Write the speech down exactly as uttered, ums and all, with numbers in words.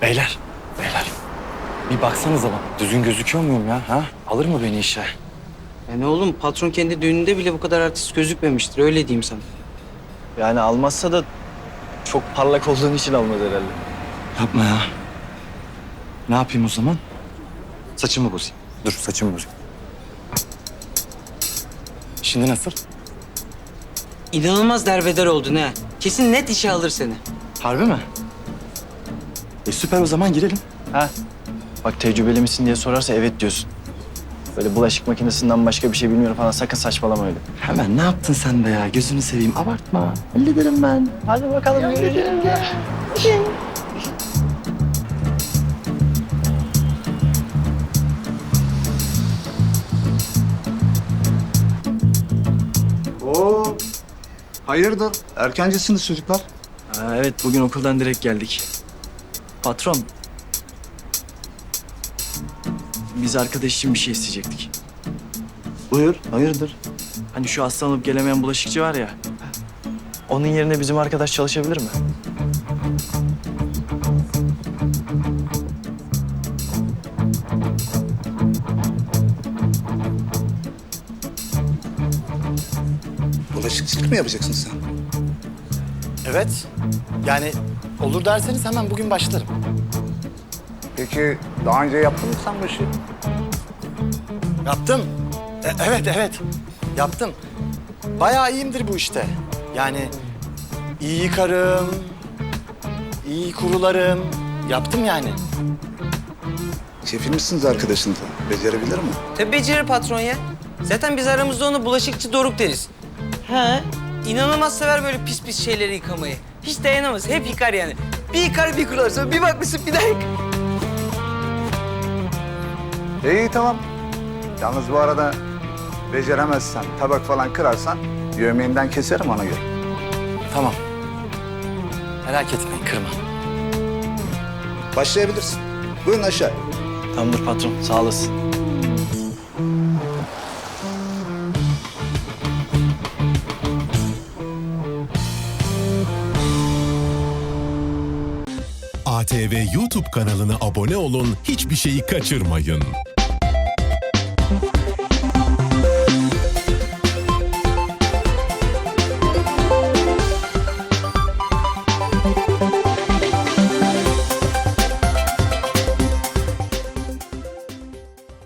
Beyler, beyler. Bir baksanıza lan. Düzgün gözüküyor muyum ya? Ha? Alır mı beni işe? Yani oğlum patron kendi düğününde bile bu kadar artist gözükmemiştir. Öyle diyeyim sana. Yani almazsa da çok parlak olduğun için almaz herhalde. Yapma ya. Ne yapayım o zaman? Saçımı bozayım. Dur saçımı bozayım. Şimdi nasıl? İnanılmaz derbeder oldun ha. Kesin net işe alır seni. Harbi mi? E süper, o zaman girelim. Ha? Bak tecrübeli misin diye sorarsa evet diyorsun. Böyle bulaşık makinesinden başka bir şey bilmiyorum falan, sakın saçmalama öyle. Hemen ne yaptın sen de ya? Gözünü seveyim, abartma. Hallederim ben. Hadi bakalım göreceğiz ya. Oo, hayırdır? Erkencisiniz çocuklar. Ha, evet bugün okuldan direkt geldik. Patron. Biz arkadaş için bir şey isteyecektik. Buyur, hayırdır? Hani şu hastalanıp gelemeyen bulaşıkçı var ya. Onun yerine bizim arkadaş çalışabilir mi? Bulaşıkçılık mı yapacaksın sen? Evet. Yani olur derseniz hemen bugün başlarım. Peki daha önce yaptın mı sen bu işi? Yaptım. E, evet, evet. Yaptım. Bayağı iyiyimdir bu işte. Yani iyi yıkarım, iyi kurularım. Yaptım yani. Kefil misiniz arkadaşınla? Becerebilir mi? Tabii becerir patron ya. Zaten biz aramızda ona bulaşıkçı Doruk deriz. He. İnanılmaz sever böyle pis pis şeyleri yıkamayı. Hiç dayanamaz. Hep yıkar yani. Bir yıkar bir kurular. Sonra bir bakmışsın bir daha yıkar. İyi tamam. Yalnız bu arada beceremezsen, tabak falan kırarsan yemeğinden keserim ona göre. Tamam. Merak etmeyin, kırma. Başlayabilirsin. Buyurun aşağı. Tamamdır patron, sağ olasın. A T V YouTube kanalına abone olun, hiçbir şeyi kaçırmayın.